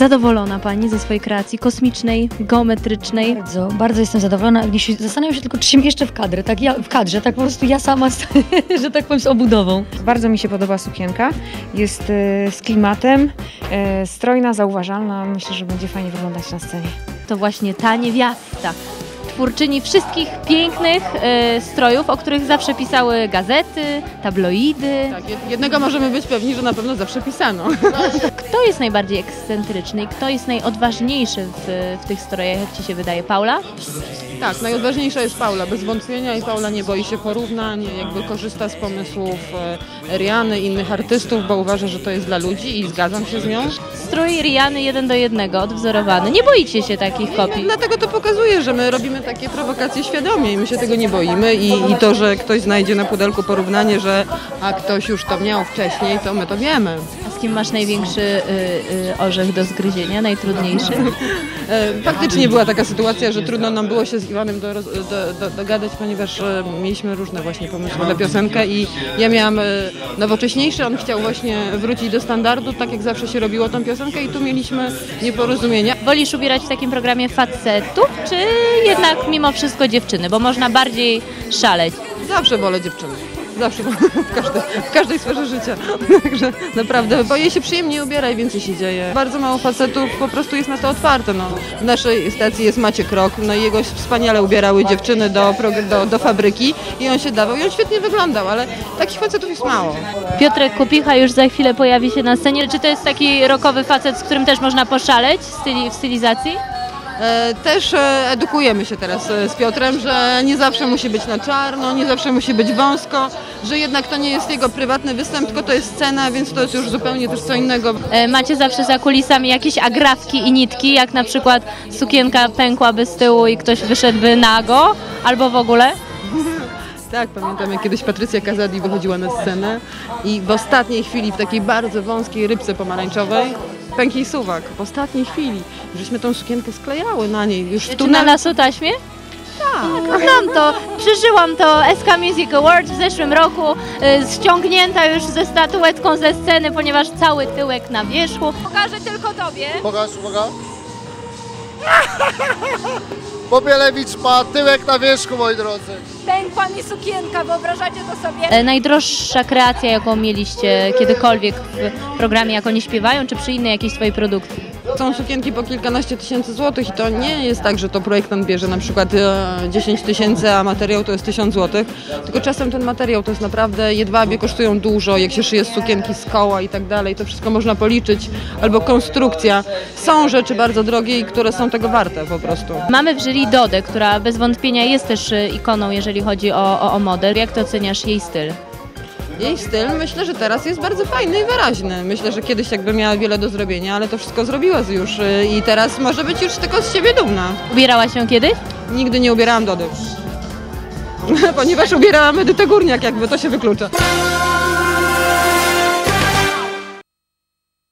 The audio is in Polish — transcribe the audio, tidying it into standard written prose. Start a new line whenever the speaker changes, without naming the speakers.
Zadowolona Pani ze swojej kreacji kosmicznej, geometrycznej?
Bardzo, bardzo jestem zadowolona. Zastanawiam się tylko, czy się mieszczę w kadrze, tak po prostu ja sama, że tak powiem, z obudową.
Bardzo mi się podoba sukienka, jest z klimatem, strojna, zauważalna, myślę, że będzie fajnie wyglądać na scenie.
To właśnie ta niewiasta, twórczyni wszystkich pięknych strojów, o których zawsze pisały gazety, tabloidy.
Tak, jednego możemy być pewni, że na pewno zawsze pisano.
Kto jest najbardziej ekscentryczny i kto jest najodważniejszy w tych strojach, jak Ci się wydaje? Paula?
Tak, najodważniejsza jest Paula, bez wątpienia, i Paula nie boi się porównań, jakby korzysta z pomysłów Riany i innych artystów, bo uważa, że to jest dla ludzi i zgadzam się z nią.
Strój Riany 1:1, odwzorowany. Nie boicie się takich kopii?
Dlatego to pokazuje, że my robimy takie prowokacje świadomie i my się tego nie boimy i to, że ktoś znajdzie na pudelku porównanie, że a ktoś już to miał wcześniej, to my to wiemy.
A z kim masz największy orzech do zgryzienia, najtrudniejszy?
Faktycznie była taka sytuacja, że trudno nam było się z Iwanem dogadać, ponieważ mieliśmy różne właśnie pomysły na piosenkę i ja miałam nowocześniejszy, on chciał właśnie wrócić do standardu, tak jak zawsze się robiło tą piosenkę, i tu mieliśmy nieporozumienia.
Wolisz ubierać w takim programie facetów, czy jednak mimo wszystko dziewczyny, bo można bardziej szaleć?
Zawsze wolę dziewczyny. Zawsze, w każdej sferze życia. Także naprawdę, bo jej się przyjemnie ubiera i więcej się dzieje. Bardzo mało facetów po prostu jest na to otwarte. No. W naszej stacji jest Maciek Rok, no i jego wspaniale ubierały dziewczyny do fabryki i on się dawał i on świetnie wyglądał, ale takich facetów jest mało.
Piotrek Kopicha już za chwilę pojawi się na scenie. Czy to jest taki rockowy facet, z którym też można poszaleć w stylizacji?
Też edukujemy się teraz z Piotrem, że nie zawsze musi być na czarno, nie zawsze musi być wąsko, że jednak to nie jest jego prywatny występ, tylko to jest scena, więc to jest już zupełnie też co innego.
Macie zawsze za kulisami jakieś agrafki i nitki, jak na przykład sukienka pękłaby z tyłu i ktoś wyszedłby nago, albo w ogóle?
Tak, pamiętam, jak kiedyś Patrycja Kazadi wychodziła na scenę i w ostatniej chwili, w takiej bardzo wąskiej rybce pomarańczowej, pękł jej suwak. W ostatniej chwili. Żeśmy tą sukienkę sklejały na niej. Już
Czy na lasotaśmie?
Tak.
Znam to, przeżyłam to. SK Music Awards w zeszłym roku, ściągnięta już ze statuetką ze sceny, ponieważ cały tyłek na wierzchu. Pokażę tylko Tobie.
Pokaż, uwaga. Popielewicz ma tyłek na wierzchu, moi drodzy.
Pękła mi sukienka, wyobrażacie to sobie?
Najdroższa kreacja, jaką mieliście kiedykolwiek w programie, jak oni śpiewają, czy przy innej jakiejś swojej produkcji?
Są sukienki po kilkanaście tysięcy złotych i to nie jest tak, że to projektant bierze na przykład 10 tysięcy, a materiał to jest 1000 złotych, tylko czasem ten materiał to jest naprawdę, jedwabie kosztują dużo, jak się szyje z sukienki z koła i tak dalej, to wszystko można policzyć, albo konstrukcja. Są rzeczy bardzo drogie i które są tego warte po prostu.
Mamy w jury Dodę, która bez wątpienia jest też ikoną, jeżeli chodzi o modę. Jak to oceniasz jej styl?
Jej styl myślę, że teraz jest bardzo fajny i wyraźny. Myślę, że kiedyś jakby miała wiele do zrobienia, ale to wszystko zrobiła już i teraz może być już tylko z siebie dumna.
Ubierałaś się kiedyś?
Nigdy nie ubierałam Dody. Ponieważ ubierałam Edytę Górniak, jakby to się wyklucza.